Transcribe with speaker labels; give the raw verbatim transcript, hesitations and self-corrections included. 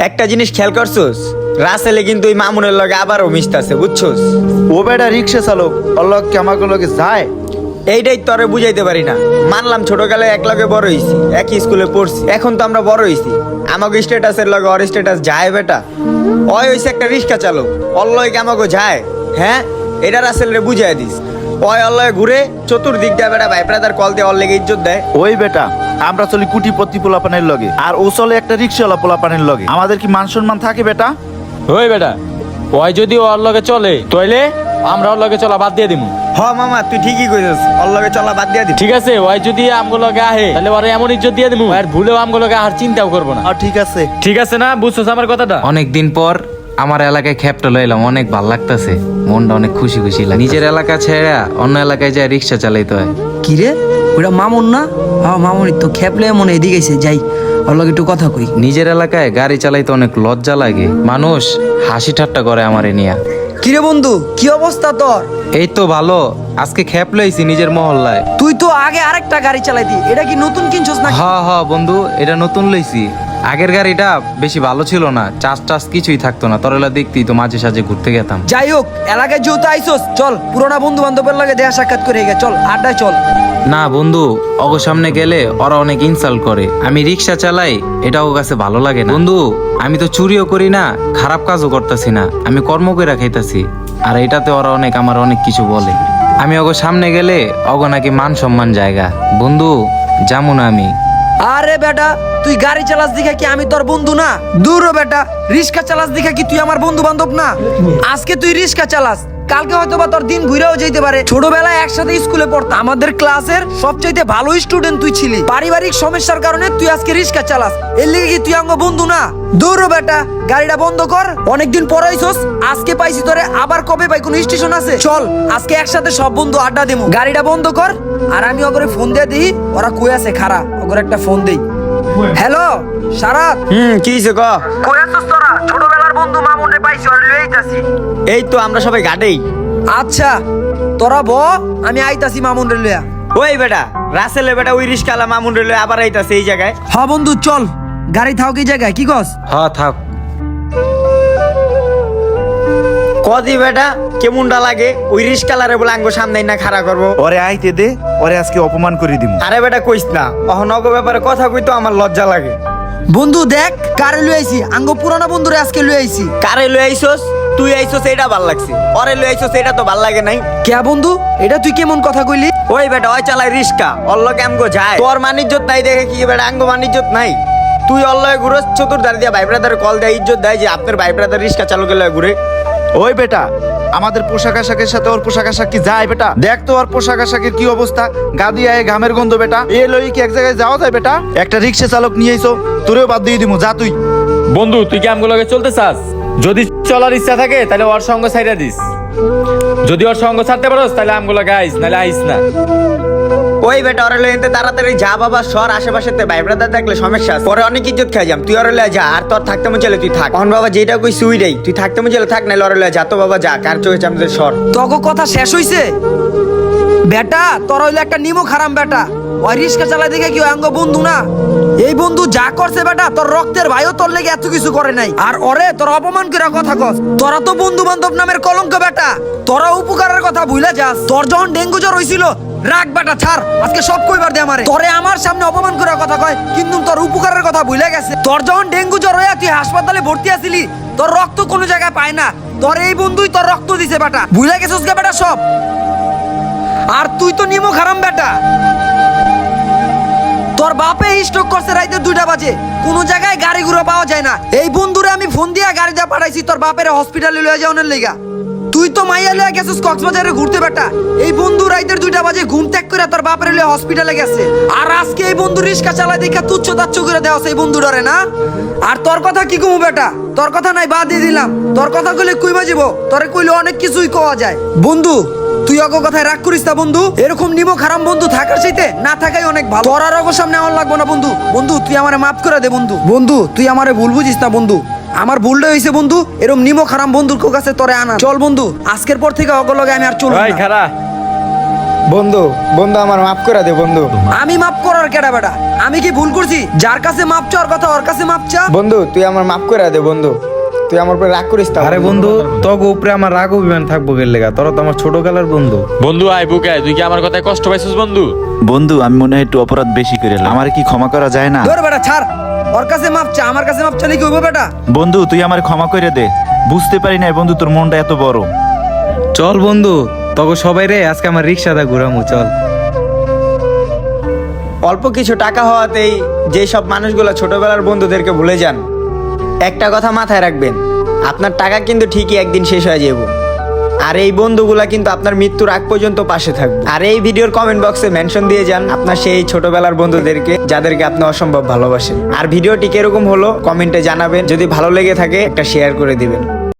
Speaker 1: একটা জিনিস খেয়াল করছোস, রাসেলে কিন্তু ওই মামুনের লগে আবারও মিশতেছে, বুঝছোস?
Speaker 2: ও বেটা রিক্সা চালক, ওর লগ কি আমাকে লগে যায়?
Speaker 1: এইটাই তোরে বুঝাইতে পারি না। মানলাম ছোটকালে এক লগে বড় হইছি, একই স্কুলে পড়ছি, এখন তো আমরা বড় হইছি, আমাকে স্ট্যাটাসের লগে ওর স্ট্যাটাস যায় বেটা? ওই হইছে একটা রিক্সা চালক, ওর লগে আমাকে যায়? হ্যাঁ, এটা রাসেলরে বুঝাই দিস। ওই ওর লগে ঘুরে চতুর্দিক দিয়ে বেটা ভাই ব্রাদার কল দিয়ে ওর লেগে ইজ্জত দেয়।
Speaker 2: ওই বেটা আমরা চলি কুটিপতি পোলাপানের লগে, আর ও চলে একটা রিক্সাওয়ালা পোলাপানের লগে। আমাদের কি মান সম্মান থাকে বেটা?
Speaker 3: ওই বেটা, ওই যদি ওর লগে চলে তাইলে আমরা ওর লগে চলা বাদ দিয়ে দিমু।
Speaker 1: হ মামা, তুই ঠিকই কইছিস, ওর লগে চলা বাদ দিয়ে দিস।
Speaker 3: ঠিক আছে, ওই যদি আমগো লগে আহে তাহলে ওরে এমন ইজ্জত দিয়ে দিমু আর ভুলেও আমগো লগে আর চিন্তাও করবো না।
Speaker 2: আর ঠিক আছে।
Speaker 3: ঠিক আছে না? বুঝছস আমার কথাটা?
Speaker 4: অনেকদিন পর আমার এলাকায় খ্যাপটা লইলাম, অনেক ভাল লাগতেছে, মনটা অনেক খুশি খুশি লাগে। নিজের এলাকা ছেড়ে অন্য এলাকায় যায় রিক্সা চালাইতে হয়।
Speaker 5: কি রে, ওটা মামুন না? হ্যাঁ মামুনই তো। খেপলে মনে এদিকে এসে যাই, ওর লগে একটু কথা কই।
Speaker 4: নিজের এলাকায় গাড়ি চালাইতে অনেক লজ্জা লাগে, মানুষ হাসি ঠাট্টা করে আমারে নিয়া।
Speaker 5: কিরে বন্ধু, কি অবস্থা তোর?
Speaker 4: এই তো ভালো, আজকে খ্যাপ লইছি নিজের মহল্লায়।
Speaker 5: তুই তো আগে আরেকটা গাড়ি চালাইতি, এটা কি নতুন কিনছস না?
Speaker 4: হ হ বন্ধু, এটা নতুন লইছি। আগের গাড়িটা বেশি ভালো ছিল না, চাষ টাস কিছুই থাকতো না, তরলা দেখতি তো মাঝে সাঝে ঘুরতে গেতাম।
Speaker 5: যাই হোক, এলাকায় যেহেতু আইসোস, চল পুরোনা বন্ধু বান্ধবের লগে দেখা সাক্ষাৎ করে গে, চল আড্ডায় চল।
Speaker 4: না বন্ধু, অগো সামনে গেলে ওরা অনেক ইনসাল্ট করে। আমি রিক্সা চালাই, এটা ওর কাছে ভালো লাগে না। বন্ধু, আমি তো চুরিও করি না, খারাপ কাজও করতেছি না, আমি কর্ম করে খাইতাছি, আর এটাতে ওরা অনেক আমার অনেক কিছু বলে। আমি অগো সামনে গেলে অগো নাকি মান সম্মান জায়গা। বন্ধু যেমন আমি।
Speaker 5: আরে বেটা, তুই গাড়ি চালাস দিকে কি আমি তোর বন্ধু না? দূর হ বেটা, রিক্সা চালাস দিকে কি তুই আমার বন্ধু বান্ধব না? আজকে তুই রিক্সা চালাস, কালকে হয়তো বা তোর দিন ঘুরেও যেতে পারে। ছোটবেলায় একসাথে স্কুলে পড়তাম, আমাদের ক্লাসের সবচাইতে ভালো স্টুডেন্ট তুই ছিলি। পারিবারিক সমস্যার কারণে তুই আজকে রিক্সা চালাস, এর লিগে কি তুই আমার বন্ধু না? দূর হ বেটা, গাড়িটা বন্ধ কর। অনেকদিন পর আইছস, আজকে পাইছি তোরে, আবার কবে পাই? কোন স্টেশন আছে? চল আজকে একসাথে সব বন্ধু আড্ডা দিমু। গাড়িটা বন্ধ কর, আর আমি ওগরে ফোন দিয়ে দিই, ওরা কই আছে খারা, ওগরে একটা ফোন দেই। হ্যালো সারাত,
Speaker 1: হুম, কি হইছে ক?
Speaker 5: কই আছস তোরা? ছোটবেলার বন্ধু মামুন রে পাইছি, ওরে লই আইতাছি।
Speaker 1: এই তো আমরা সবাই ঘাটেই।
Speaker 5: আচ্ছা তোরা ব, আমি আইতাছি মামুন রে লইয়া।
Speaker 1: ওই বেটা রাসেলে বেটা ওই রিস্কালা মামুন রে লয়ে আবার আইতাছে এই জায়গায়।
Speaker 5: হ্যাঁ বন্ধু চল, গাড়ি থাও কি জায়গায়, কি কস?
Speaker 4: হ থাক।
Speaker 1: কদি বেটা কেমনটা লাগে ওই রিস্কালারে বলে আঙ্গো সামনে না খাড়া করবো?
Speaker 2: ওরে আইতে দে, ওরে আজকে অপমান করে দিব।
Speaker 1: আরে বেটা কইস না, অহনগ ব্যাপারে কথা কইতো আমার লজ্জা লাগে।
Speaker 5: বন্ধু দেখ কারে লই আইছি, আঙ্গ পুরানা বন্ধুরে আজকে লই আইছি।
Speaker 1: কারে লই আইছস? তুই আইছস এটা ভাল লাগছে, ওরে লই আইছস এটা তো ভাল লাগে নাই।
Speaker 5: কে বন্ধু, এটা তুই কেমন কথা কইলি?
Speaker 1: ওই বেটা ওই চালাই রিস্কা, অল্লকে আমগো যায়। তোর মানিজ্জত নাই দেখে কি বেটা আঙ্গো মানিজ্জত নাই? তুই অল্লয়ে ঘুরস চতুর্ধার দিয়া ভাই ব্রাদার কল দেয়, ইজ্জত দেয় যে আপনার ভাই ব্রাদার রিস্কা চালকের লয়ে ঘুরে।
Speaker 2: ওই বেটা, আমাদের পোশাক আশাকের সাথে ওর পোশাক আশাক কি যায় বেটা? দেখ তো ওর পোশাক আশাকের কি অবস্থা, গাদি আয় ঘামের গন্ধ বেটা। এ লই কি এক জায়গায় যাওয়া যায় বেটা? একটা রিক্সা চালক নিয়ে আইছো, তোরেও বাদ দিয়ে দিমু, যা তুই।
Speaker 3: বন্ধু, তুই কি আমগো লগে চলতে চাস? যদি চলার ইচ্ছা থাকে তাহলে ওর সঙ্গ ছাইড়া দিস, যদি ওর সঙ্গ ছাড়তে পারোস তাহলে আমগো লগে আইস, নাহলে আইস না।
Speaker 1: ওই বেটা ওরে লয়ে এনতে তাড়াতাড়ি যা বাবা, সর আশেপাশে তে ভাই ব্রাদার দেখলে সমস্যা আছে। পরে অনেক ইজ্জত খাই যাম, তুই ওরে লয়ে যা। আর তোর থাকতে মন চলে তুই থাক, এখন বাবা যেটা কই সুই রেই, তুই থাকতে মন চলে থাক, নাইলে ওরে লয়ে যা তো বাবা, যা কার চোখে চামচে সর।
Speaker 5: তগো কথা শেষ হইছে? বেটা তোর হইলো একটা নিমো খারাম বেটা, ওই রিক্সা চালাই দেখে কি আঙ্গ বন্ধু না? এই বন্ধু যা করছে বেটা, তোর রক্তের ভাইও তোর লেগে এত কিছু করে নাই, আর ওরে তোর অপমান করে কথা কস। তোরা তো বন্ধু বান্ধব নামের কলঙ্ক বেটা, তোরা উপকারের কথা ভুলে যাস। তোর যখন ডেঙ্গু জ্বর হইছিল, রাগ বেটা ছাড়, আজকে সব কইবার দে আমারে। তোরে আমার সামনে অপমান করে কথা কয়, কিন্তু তোর উপকারের কথা ভুলে গেছে। তোর যখন ডেঙ্গু জ্বর হইয়া তুই হাসপাতালে ভর্তি আছিলি, তোর রক্ত কোনো জায়গায় পায় না, তোর এই বন্ধুই তোর রক্ত দিছে বেটা, ভুলে গেছিস গে বেটা সব। আর তুই তো নিমো খারাম বেটা, তোর বাপে স্ট্রোক করছে রাইতে দুইটা বাজে, কোন জায়গায় গাড়ি ঘুরে পাওয়া যায় না। এই বন্ধুরে আমি ফোন দিয়া গাড়ি দিয়ে পাঠাইছি তোর বাপের হসপিটালে লয়ে যাওয়ার লেগা। তুই তো মাইয়া লয়ে গেছিস কক্সবাজারে ঘুরতে বেটা, এই বন্ধু রাইতের দুইটা বাজে ঘুম ত্যাগ করে তোর বাপের লয়ে হসপিটালে গেছে। আর আজকে এই বন্ধু রিক্সা চালায় দেখা তুচ্ছ তাচ্ছ করে দেওয়া সেই বন্ধু ডরে না। আর তোর কথা কি কমু বেটা, তোর কথা নাই বাদ দিয়ে দিলাম, তোর কথা কইলে কুই বাজিব, তোরে কইলে অনেক কিছুই কোয়া যায়। বন্ধু তুই অগো কথায় রাগ করিস না বন্ধু, এরকম নিমো খারাম বন্ধু থাকার চাইতে না থাকাই অনেক ভালো। তোর আর অগো সামনে আমার লাগবো না বন্ধু। বন্ধু তুই আমারে মাফ করে দে বন্ধু। বন্ধু তুই আমারে ভুল বুঝিস না বন্ধু, আমার ভুলটা হয়েছে বন্ধু, এরকম নিমো খারাম বন্ধুর কাছে তোরে আনা। চল বন্ধু, আজকের পর থেকে অগো লগে আমি আর চলবো
Speaker 3: ভাই
Speaker 5: না।
Speaker 3: খারা,
Speaker 1: বন্ধু বন্ধু আমার মাফ করে দে বন্ধু।
Speaker 5: আমি মাফ করার কেডা বেটা? আমি কি ভুল করছি? যার কাছে মাপ চাওয়ার কথা ওর কাছে মাপ চা।
Speaker 1: বন্ধু তুই আমার মাফ করে দে বন্ধু, তুই আমার উপরে রাগ করিস না
Speaker 4: আরে বন্ধু তোকে উপরে আমার রাগ অভিমান থাকবো গেলে লেগা, তোরা তো আমার ছোটবেলার বন্ধু।
Speaker 3: বন্ধু আয় বুকে আয়, তুই কি আমার কথায় কষ্ট পাইছিস বন্ধু?
Speaker 2: বন্ধু আমি মনে হয় একটু অপরাধ বেশি করে এলাম, আমার কি ক্ষমা করা যায় না?
Speaker 5: ধর বেটা ছাড়, ওর কাছে মাপ চা, আমার কাছে মাপ চাইলে কি হইব বেটা?
Speaker 2: বন্ধু তুই আমার ক্ষমা করে দে, বুঝতে পারি না বন্ধু তোর মনটা এত বড়।
Speaker 4: চল বন্ধু তোকে সবাই রে আজকে আমার রিক্সাটা ঘুরামু, চল।
Speaker 1: অল্প কিছু টাকা হওয়াতেই যে সব মানুষগুলো ছোটবেলার বন্ধুদেরকে ভুলে যান, একটা কথা মাথায় রাখবেন, আপনার টাকা কিন্তু ঠিকই একদিন শেষ হয়ে যাবে, আর এই বন্ধুগুলা কিন্তু আপনার মৃত্যুর আগ পর্যন্ত পাশে থাকবে। আর এই ভিডিওর কমেন্ট বক্সে মেনশন দিয়ে যান আপনার সেই ছোটবেলার বন্ধুদেরকে যাদেরকে আপনি অসম্ভব ভালোবাসেন। আর ভিডিওটি কিরকম হলো কমেন্টে জানাবেন, যদি ভালো লেগে থাকে একটা শেয়ার করে দিবেন।